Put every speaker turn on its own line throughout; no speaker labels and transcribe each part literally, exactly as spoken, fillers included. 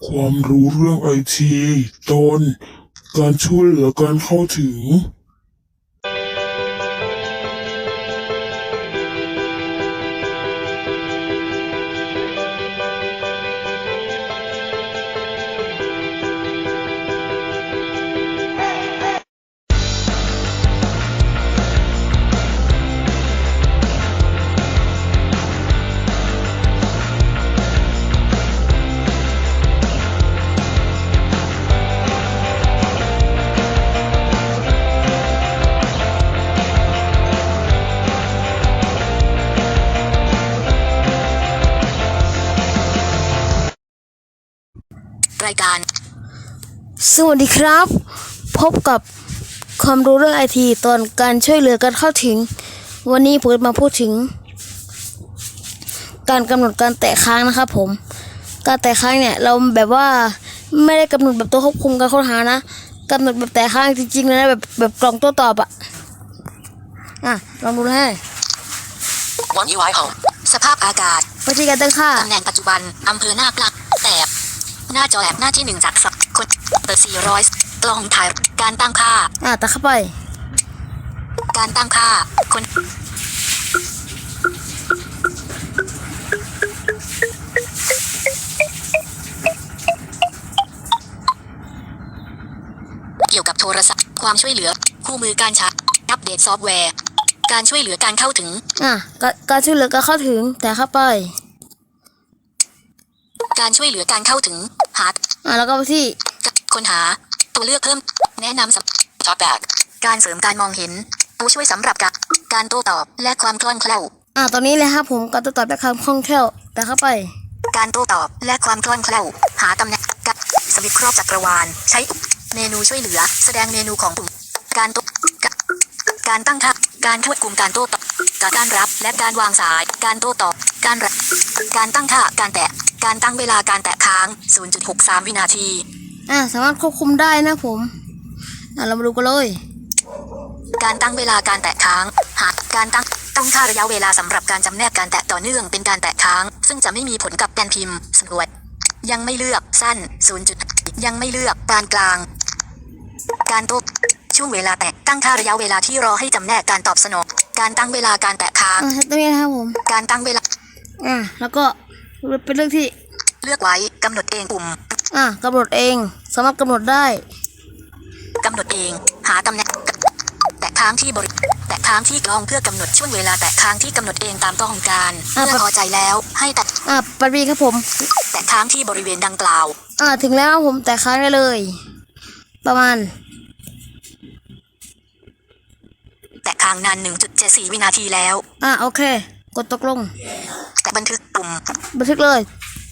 ความรู้เรื่องไอทีตอนการช่วยเหลือการเข้าถึง
รายการ
สวัสดีครับ พบกับความรู้เรื่องไอทีตอนการช่วยเหลือการเข้าถึงวันนี้ผมมาพูดถึงการกำหนดการแตะค้างนะครับผมการแตะค้างเนี่ยเราแบบว่าไม่ได้กำหนดแบบตัวควบคุมการค้นหานะกำหนดแบบแตะค้างจริงๆเลยนะแบบแบบกล่องโต้ตอบอะอ่ะลองดูให้
วัน ยู ไอ Home สภาพอากาศ
วิธีการตั้งค่า
ตำแหน่งปัจจุบันอำเภอหน้าปลักแถบหน้าจอแอปหน้าที่หนึ่งจากสับคนเปิดสี่ร้อยกล้องถ่ายการตั้งค่า
อ่ะตัดเข้าไป
การตั้งค่าคนเกี่ยวกับโทรศัพท์ความช่วยเหลือคู่มือการใช้อัปเดตซอฟต์แวร์การช่วยเหลือการเข้าถึง
อ่ะการช่วยเหลือการเข้าถึงแต่เข้าไป
การช่วยเหลือการเข้าถึงหา
อ่ะแล้วก็ไปที่
ค้นหาตัวเลือกเพิ่มแนะนำสำท็อปแบกการเสริมการมองเห็นผู้ช่วยสำหรับการการโต้ตอบและความคล่องแคล่ว
อ่ะตอนนี้เลยครับผมการโต้ตอบและความคล่องแคล่วแต่เข้าไป
การโต้ตอบและความคล่องแคล่วหาตำแหน่งกับสวิตช์ครอบจักรวาลใช้เมนูช่วยเหลือแสดงเมนูของปุ่มการโต้การตั้งค่าการควบคุมการโต้ตอบการรับและการวางสายการโต้ตอบการรับการตั้งค่าการแตะการตั้งเวลาการแตะค้าง ศูนย์จุดหกสาม วินาที
อ่าสามารถควบคุมได้นะผมอ่าเรามาดูกันเลย
การตั้งเวลาการแตะค้างหากการตั้งตั้งค่าระยะเวลาสำหรับการจำแนกการแตะต่อเนื่องเป็นการแตะค้างซึ่งจะไม่มีผลกับการพิมพ์สำรวจยังไม่เลือกสั้น ศูนย์ ยังไม่เลือกปานกลางการโต้ช่วงเวลาแตะตั้งค่าระยะเวลาที่รอให้จำแนกการตอบสนองการตั้งเวลาการแตะค้าง
อ่าตรงนี้นะครับผม
การตั้งเวลา
อ่าแล้วก็เป็นเรื่องที่
เลือกไว้กำหนดเองปุ่ม
อ่ากำหนดเองสามารถกำหนดได้
กำหนดเองหาตำแหน่งแตะค้างที่บริแตะค้างที่กล้องเพื่อกำหนดช่วงเวลาแตะค้างที่กำหนดเองตามต้องการเมื่อพอใจแล้วให้แตะ
อ่าปรีครับผม
แตะค้างที่บริเวณดังกล่าว
อ่าถึงแล้วผมแตะค้างได้เลยประมาณ
แตะค้างนาน หนึ่งจุดเจ็ดสี่ วินาทีแล้ว
อ่าโอเคกดตกลง
แตะบันทึกปุ่ม
บันทึกเลย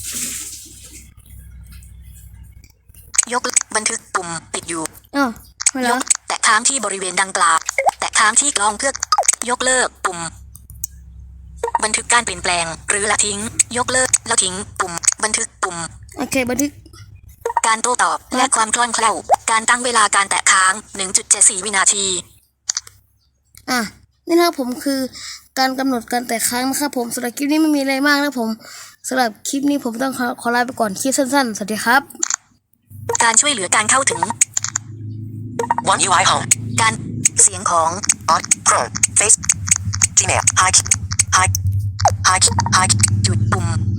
ยกบันทึกปุ่มปิดอยู่
อ้าวไม่แล้ว
แตะค้างที่บริเวณดังกล่าวแตะค้างที่กล้องเพื่อยกเลิกปุ่มบันทึกการเปลี่ยนแปลงหรือละทิ้งยกเลิกละทิ้งปุ่มบันทึกปุ่ม
โอเคบันทึก
การโต้ตอบและความคล่องแคล่วการตั้งเวลาการแตะค้าง หนึ่งจุดเจ็ดสี่ วินาที
อ่ะนี่นะครับผมคือการกำหนดการแตะค้างนะครับผมสำหรับคลิปนี้ไม่มีอะไรมากนะผมสำหรับคลิปนี้ผมต้องขอขอลาไปก่อนคลิปสั้นๆสวัสดีครับ
การช่วยเหลือการเข้าถึง วัน ยู ไอ Home การเสียงของ Odd Chrome Face Gmail Hi Hi Hi Hi จุดปุ่ม